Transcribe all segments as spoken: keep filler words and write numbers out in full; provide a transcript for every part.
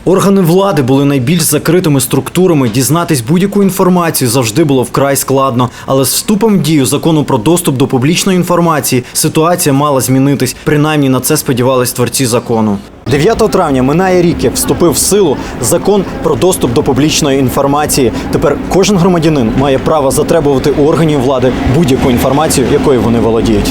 Органи влади були найбільш закритими структурами, дізнатись будь-яку інформацію завжди було вкрай складно. Але з вступом в дію закону про доступ до публічної інформації ситуація мала змінитись. Принаймні на це сподівались творці закону. дев'ятого травня минає рік, як вступив в силу закон про доступ до публічної інформації. Тепер кожен громадянин має право затребувати у органів влади будь-яку інформацію, якою вони володіють.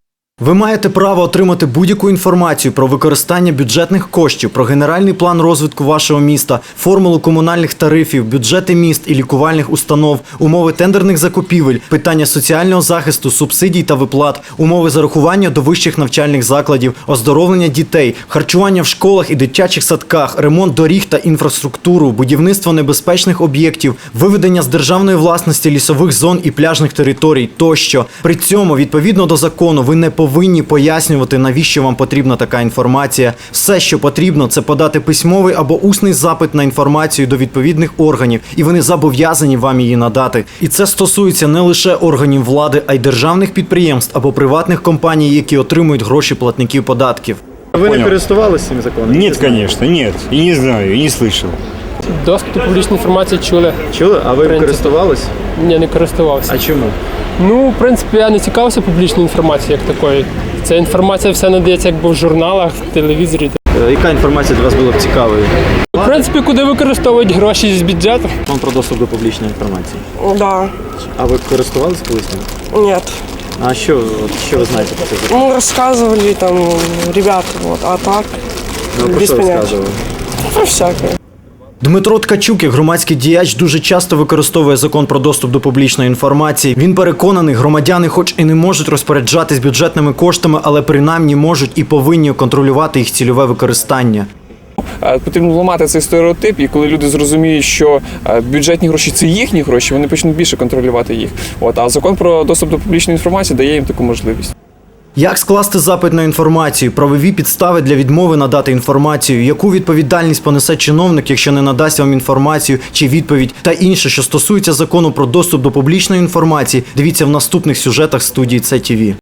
Ви маєте право отримати будь-яку інформацію про використання бюджетних коштів, про генеральний план розвитку вашого міста, формулу комунальних тарифів, бюджети міст і лікувальних установ, умови тендерних закупівель, питання соціального захисту, субсидій та виплат, умови зарахування до вищих навчальних закладів, оздоровлення дітей, харчування в школах і дитячих садках, ремонт доріг та інфраструктуру, будівництво небезпечних об'єктів, виведення з державної власності лісових зон і пляжних територій тощо. При цьому, відповідно до закону, ви не повинні повинні пояснювати, навіщо вам потрібна така інформація. Все, що потрібно, це подати письмовий або усний запит на інформацію до відповідних органів, і вони зобов'язані вам її надати. І це стосується не лише органів влади, а й державних підприємств або приватних компаній, які отримують гроші платників податків. Ви Понял. не користувалися цим законом? Нет, конечно, нет. И не знаю, и не слышал. Доступ до публічної інформації чули. Чули? А ви принципі. користувались? Ні, не користувався. А чому? Ну, в принципі, я не цікавився публічною інформацією як такою. Ця інформація вся надається якби в журналах, в телевізорі. Е, Яка інформація для вас була б цікавою? В принципі, куди використовують гроші з бюджету. Закон про доступ до публічної інформації. Да, А ви користувались колись ним? нет. А що, от, що ви знаєте про цей закон? Ну, рассказывали там ребята, вот, а так, Ну, про без що понятия. розказували? Про всякое. Дмитро Ткачук, як громадський діяч, дуже часто використовує закон про доступ до публічної інформації. Він переконаний, громадяни хоч і не можуть розпоряджатись бюджетними коштами, але принаймні можуть і повинні контролювати їх цільове використання. Потрібно ламати цей стереотип, і коли люди зрозуміють, що бюджетні гроші – це їхні гроші, вони почнуть більше контролювати їх. От, а закон про доступ до публічної інформації дає їм таку можливість. Як скласти запит на інформацію, правові підстави для відмови надати інформацію, яку відповідальність понесе чиновник, якщо не надасть вам інформацію чи відповідь, та інше, що стосується закону про доступ до публічної інформації, дивіться в наступних сюжетах студії Це ТІВІ.